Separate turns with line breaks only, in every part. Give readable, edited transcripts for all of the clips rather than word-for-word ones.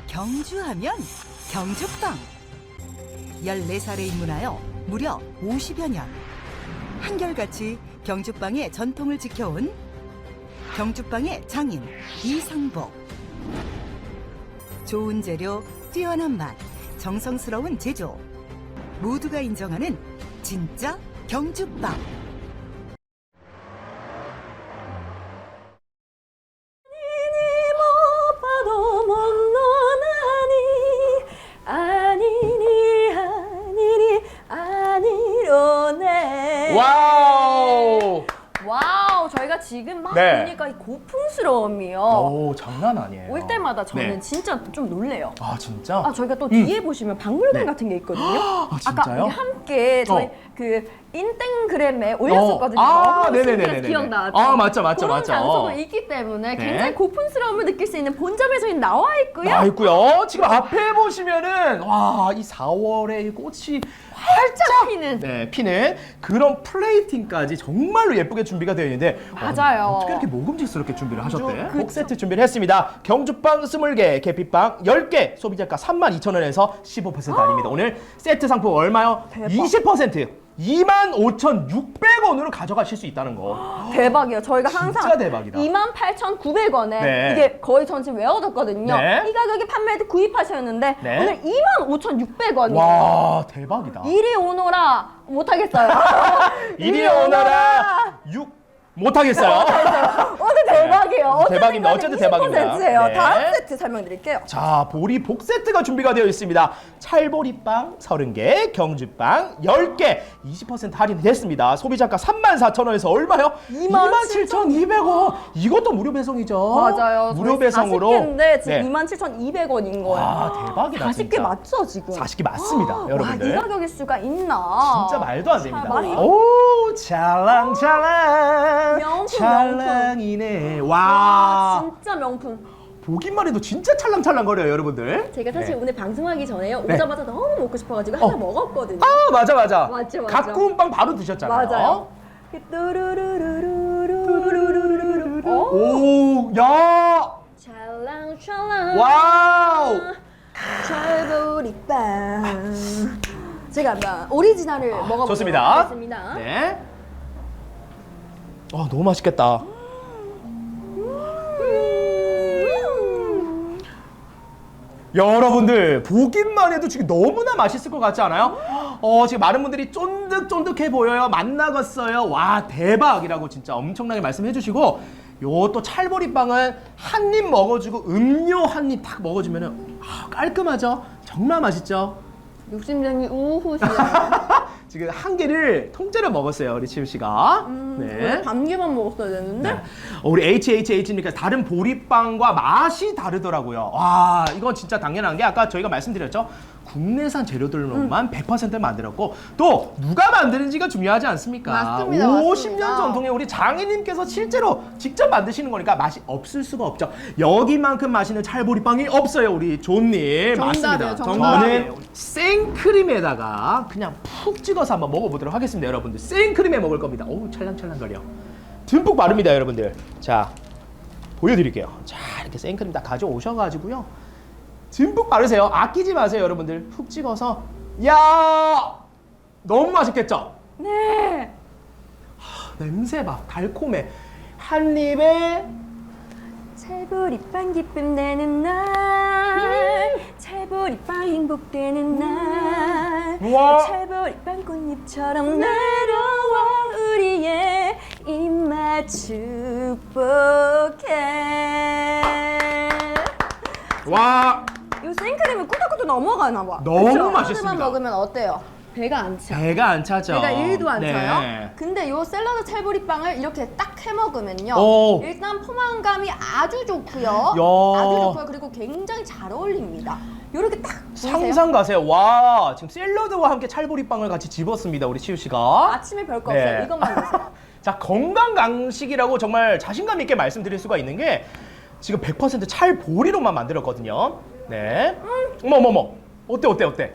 경주하면 경주빵. 14살에 입문하여 무려 50여 년. 한결같이 경주빵의 전통을 지켜온 경주빵의 장인 이상복. 좋은 재료, 뛰어난 맛, 정성스러운 제조. 모두가 인정하는 진짜 경주빵.
와우!
와우, 저희가 지금 막
네.
보니까 이 고풍스러움이요.
오, 장난 아니에요.
올 때마다 저는
네.
진짜 좀 놀래요.
아, 진짜?
아, 저희가 또 뒤에 보시면 박물관
네.
같은 게 있거든요.
아,
아까
진짜요?
우리 함께 저희 그 인땡그램에 올렸었거든요.
아,
너무
네네네네.
신기해서 기억나죠?
아, 맞죠.
그런
네.
장소가 있기 때문에
네.
굉장히 고풍스러움을 느낄 수 있는 본점에 저희 나와 있고요.
나 있고요. 지금 앞에 보시면은 와, 이 4월에 꽃이
활짝 피는.
네, 피는 그런 플레이팅까지 정말로 예쁘게 준비가 되어 있는데
맞아요.
어떻게 이렇게 먹음직스럽게 준비를 하셨대?
그쵸.
복 세트 준비를 했습니다. 경주빵 20개, 계피빵 10개, 소비자가 32,000원에서 15% 할인입니다. 오늘 세트 상품 얼마요?
대박.
20%! 25,600원으로 가져가실 수 있다는 거.
대박이에요. 저희가 항상
진짜 대박이다.
28,900원에
네.
이게 거의 전 지금 외워뒀거든요.
네.
이 가격에 판매할 때 구입하셨는데
네.
오늘 25,600원이에요.
와, 대박이다.
이리 오너라 못하겠어요.
이리 오너라 6 못하겠어요.
오늘 대박이에요.
대박입니다. 어쨌든 대박입니다.
20%예요.
네.
다음 세트 설명드릴게요.
자, 보리 복 세트가 준비가 되어 있습니다. 찰보리빵 30개, 경주빵 10개, 20% 할인이 됐습니다. 소비자가 34,000원에서 얼마요? 27,200원. 이것도 무료 배송이죠.
맞아요.
무료 배송으로.
40개인데 지금
네.
27,200원인 거예요.
와, 대박이다.
40개
진짜.
맞죠, 지금?
40개 맞습니다,
와,
여러분들.
이 가격일 수가 있나?
진짜 말도 안 됩니다.
찰보리.
오, 찰랑찰랑.
명품,
찰랑이네.
와,
와.
진짜 명품.
보기만 해도 진짜 찰랑찰랑거려요, 여러분들.
제가 사실
네.
오늘 방송하기 전에요.
네.
오자마자 너무 먹고 싶어가지고 하나 먹었거든요.
아, 맞아.
맞죠.
갓 구운 빵 바로 드셨잖아요.
맞아요. 뚜루루루루루루루루루루. 오,
오, 야!
찰랑찰랑.
와우!
찰보리빵. 제가 한번 오리지널을 먹어보도록
좋습니다.
하겠습니다.
네. 아, 너무 맛있겠다. 여러분들 보기만 해도 지금 너무나 맛있을 것 같지 않아요? 지금 많은 분들이 쫀득쫀득해 보여요. 맛나갔어요. 와, 대박이라고 진짜 엄청나게 말씀해 주시고, 요 또 찰보리빵은 한 입 먹어주고 음료 한 입 딱 먹어주면은 깔끔하죠? 정말 맛있죠?
욕심쟁이 우후시요.
지금 한 개를 통째로 먹었어요, 우리 치우 씨가.
원래 반 개만 먹었어야 되는데.
네. 우리 HHH니까 다른 보리빵과 맛이 다르더라고요. 와, 이건 진짜 당연한 게 아까 저희가 말씀드렸죠. 국내산 재료들로만 100% 만들었고, 또 누가 만드는지가 중요하지 않습니까?
맞습니다,
50년
맞습니다.
전통의 우리 장인님께서 실제로 직접 만드시는 거니까 맛이 없을 수가 없죠. 여기만큼 맛있는 찰보리빵이 없어요, 우리 존님.
정답이에요,
맞습니다.
정답이에요.
저는 생크림에다가 그냥 푹 찍어서 한번 먹어보도록 하겠습니다, 여러분들. 생크림에 먹을 겁니다. 어우, 찰랑찰랑거려. 듬뿍 바릅니다, 여러분들. 자, 보여드릴게요. 자, 이렇게 생크림 다 가져오셔가지고요. 듬뿍 바르세요. 아끼지 마세요, 여러분들. 푹 찍어서. 야, 너무 맛있겠죠?
네.
냄새 봐, 달콤해. 한 입에
찰보리빵 기쁨 되는 날, 찰보리빵 행복되는 날,
우와.
찰보리빵 꽃잎처럼 내려와 우리의 입맛 축복해.
와,
이 생크림이 꾸덕꾸덕 넘어가나 봐.
너무
그쵸?
맛있습니다.
하나만 먹으면 어때요? 배가 안 차.
배가 안 차죠.
배가 1도 안
네.
차요. 근데 요 샐러드 찰보리빵을 이렇게 딱 해 먹으면요.
오.
일단 포만감이 아주 좋고요.
야.
아주 좋고요. 그리고 굉장히 잘 어울립니다. 요렇게 딱 보이세요?
상상 가세요. 와, 지금 샐러드와 함께 찰보리빵을 같이 집었습니다, 우리 치우 씨가.
아침에 별거
네.
없어요. 이것만 드세요.
자, 건강 강식이라고 정말 자신감 있게 말씀드릴 수가 있는 게 지금 100% 찰보리로만 만들었거든요. 네. 어머. 어때?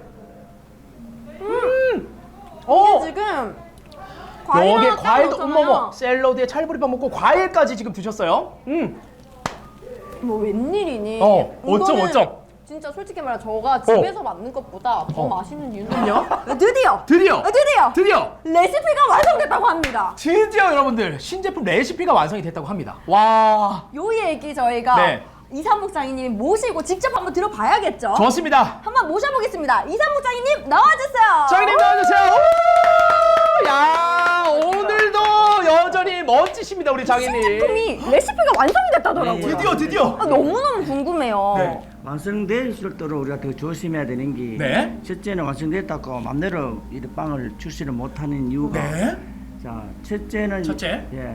지금
여기에
하나
과일도
딱 넣었잖아요.
어머머 샐러드에 찰보리빵 먹고 과일까지 지금 드셨어요.
뭐 웬일이니?
어쩜.
진짜 솔직히 말해 저가 집에서 만든 것보다 더 맛있는 이유는요. 드디어
드디어
레시피가 완성됐다고 합니다.
드디어 여러분들 신제품 레시피가 완성이 됐다고 합니다. 와,
요 얘기 저희가
네.
이상복 장인님 모시고 직접 한번 들어봐야겠죠.
좋습니다.
한번 모셔보겠습니다. 이상복 장인님 나와주세요.
장님 나와주세요. 오! 야, 오늘도 여전히 멋지십니다 우리 장인님.
제품이 레시피가 완성이 됐다더라고요.
네, 드디어.
아, 너무너무 궁금해요.
네.
완성될 수 있도록 우리가 더 조심해야 되는 게
네.
첫째는 완성됐다고 맘대로 이 빵을 출시를 못하는 이유가
네.
자 첫째는
첫째.
예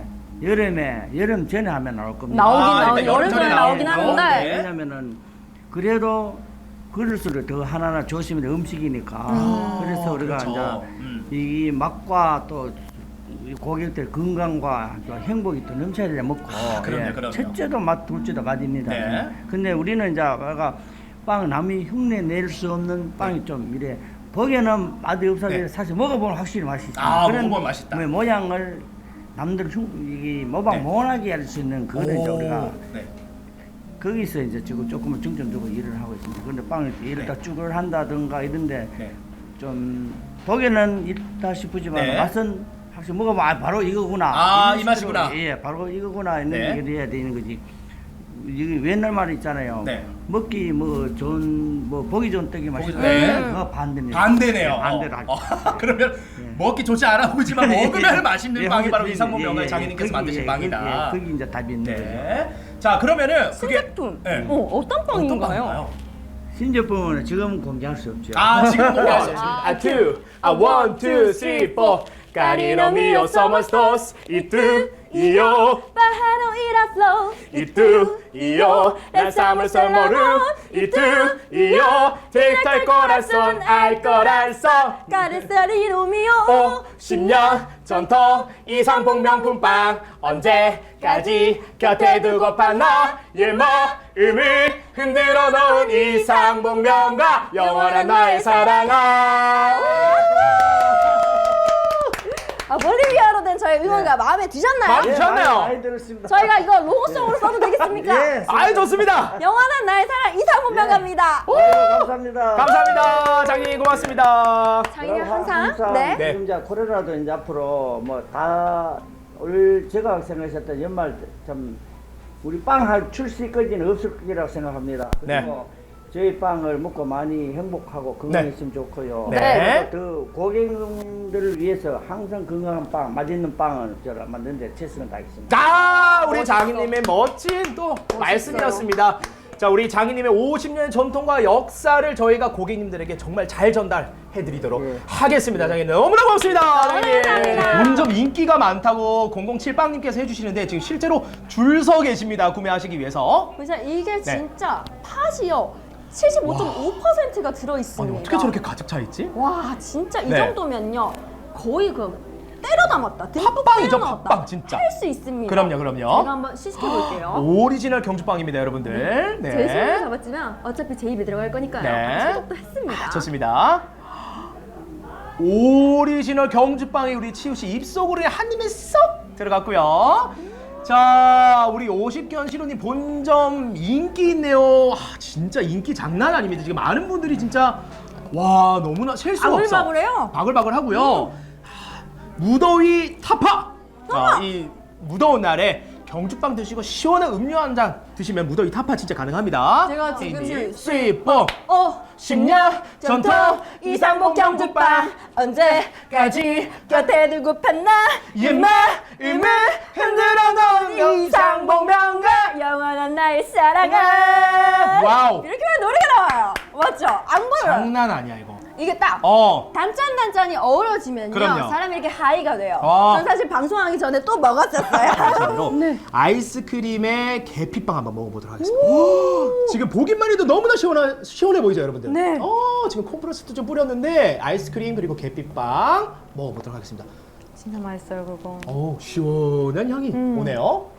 여름 전에 하면 나올 겁니다.
나오긴
일단
여름 전에 나오긴
나오고.
하는데
네.
왜냐면은 그래도 그럴수록 더 하나하나 조심해야 음식이니까 그래서 우리가
그렇죠.
이제 이 맛과 또 고객들 건강과 또 행복이 또 넘쳐야 되려 먹고
그럼요.
첫째도 맛 둘째도 맛입니다.
네.
근데 우리는 이제 빵 남이 흉내 낼 수 없는 빵이 좀 이래 보기에는 맛이 없어도
네.
사실 먹어보면 확실히 맛이 있어요.
먹어보면 맛있다.
모양을 남들 이게 모방
네.
못하게 할 수 있는 그거를 이제 우리가
네.
거기서 이제 지금 조금은 중점 두고 일을 하고 있습니다. 그런데 빵을 이렇다 쭈글 한다든가 이런데
네.
좀 보기에는 있다 싶지만
네.
맛은 확실히 먹어봐 바로 이거구나.
아,
이런
이 맛이구나.
식으로, 예, 바로 이거구나 있는
네.
얘기를 해야 되는 거지. 이게 옛날 말 있잖아요.
네.
먹기 뭐 좋은 뭐 보기 좋은 떡이 맛있다.
네.
그거 반대입니다.
반대네요.
네, 반대로 하죠.
그러면 먹기 좋지 않아 보이지만 먹으면 맛있는
예,
빵이 바로
거기,
이상복
예,
명가의
예,
장인님께서
거기,
만드신
예,
빵이다.
거기 이제 답이 있는 거죠.
네. 자, 그러면은 그게
신제품.
네.
어떤 빵인가요?
신제품은 지금 공개할 수 없죠.
아, 지금 공개할 수 없습니다.
아,
two, one, two, three, four. Carino mio somos dos, y tú y yo.
Pájaro iraslo.
Y tú y yo lanzamos el morum. Y tú y yo directo al corazón, al corazón.
Carecería mío.
50년 전통 이상복 명품빵 언제까지 곁에 두고파 너의 마음을 흔들어 놓은 이상복 명가 영원한 나의 사랑아.
볼리비아로 된 저의 응원가 마음에 드셨나요?
마음에 드셨나요?
많이 들었습니다.
저희가 이거 로고송으로 써도 되겠습니까?
예.
아유, 좋습니다.
영원한 나의 사랑 이상복 명가입니다.
감사합니다.
감사합니다. 장님 고맙습니다.
장인은
그럼
항상 네.
지금 이제 코로나도 이제 앞으로 뭐 다 올 제가 생각했던 연말 참 우리 빵 출시까지는 없을 거라고 생각합니다.
네.
그리고 저희 빵을 먹고 많이 행복하고 건강했으면 좋고요.
네.
그리고 더 고객님들을 위해서 항상 건강한 빵, 맛있는 빵을 제가 만드는데 최선을 다하겠습니다.
아, 우리 장인님의 멋진 또 말씀이었습니다. 자, 우리 장인님의 50년의 전통과 역사를 저희가 고객님들에게 정말 잘 전달해드리도록
예.
하겠습니다. 장인님 너무나 고맙습니다. 장인님.
감사합니다.
점점 인기가 많다고 007빵님께서 해주시는데 지금 실제로 줄 서 계십니다. 구매하시기 위해서.
보자 이게
네.
진짜 팥이요 75.5%가 들어있습니다.
아니, 어떻게 저렇게 가득 차 있지?
와 진짜 이
네.
정도면요 거의 그 때려 담았다. 듬뿍
팥빵이죠,
때려 넣었다.
팥빵, 진짜.
할 수 있습니다.
그럼요.
제가 한번 시식해 볼게요.
오리지널 경주빵입니다, 여러분들. 네.
제 손으로 잡았지만 어차피 제 입에 들어갈 거니까요.
네.
소독도 했습니다.
좋습니다. 오리지널 경주빵이 우리 치우 씨 입속으로 한 입에 쏙 들어갔고요. 자, 우리 50견 시로님 본점 인기 있네요. 아, 진짜 인기 장난 아닙니다. 지금 많은 분들이 진짜 와 너무나 셀 수가 없어.
바글바글해요.
바글바글하고요. 무더위 타파. 자, 이 무더운 날에 경주빵 드시고 시원한 음료 한 잔 드시면 무더위 타파 진짜 가능합니다.
제가 지금
스위퍼
10년 전통 이상복 경주빵 언제까지 곁에 두고 팠나
이 마음을 흔들어 놓은 이상복 명가.
영원한 나의 사랑아.
와우.
이렇게 하면 노래가 나와요. 맞죠? 안 보여요.
장난 아니야 이거.
이게 딱 단짠단짠이 어우러지면요
그럼요.
사람이 이렇게 하이가 돼요.
어.
전 사실 방송하기 전에 또 먹었었어요.
네. 아이스크림에 계피빵 한번 먹어보도록 하겠습니다. 지금 보기만 해도 너무나 시원해 보이죠, 여러분들?
네.
지금 콤프레스도 좀 뿌렸는데 아이스크림 그리고 계피빵 먹어보도록 하겠습니다.
진짜 맛있어요 그거.
시원한 향이 오네요.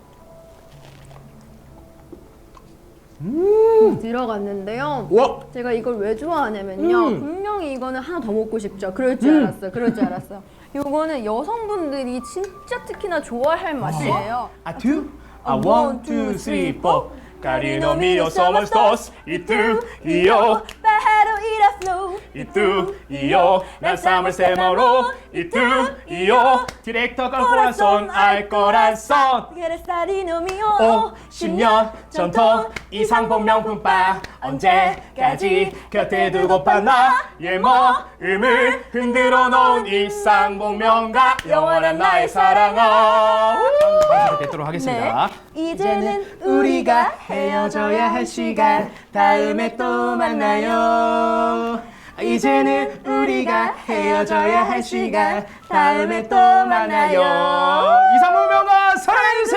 들어갔는데요.
와,
제가 이걸 왜 좋아하냐면요. 분명히 이거는 하나 더 먹고 싶죠. 그럴 줄 알았어요. 그럴 줄 알았어요. 이거는 여성분들이 진짜 특히나 좋아할 맛이에요.
two, one, two, three, four. Cariño mío somos dos y tú y yo
Pájaro y la flor
y tú y yo lanzamos el moro y tú y yo directo con corazón al corazón
Quieres cariño mío
50년 전통 이상복 명품바 언제까지 곁에 두고파 나의 마음을 흔들어 놓은 이상복 명가 영원한 나의 사랑아 방송 뵙도록 하겠습니다.
이제는
우리가 헤어져야 할 시간 다음에 또 만나요. 이제는 우리가 헤어져야 할 시간 다음에 또 만나요. 이상복 명가 사랑해주세요.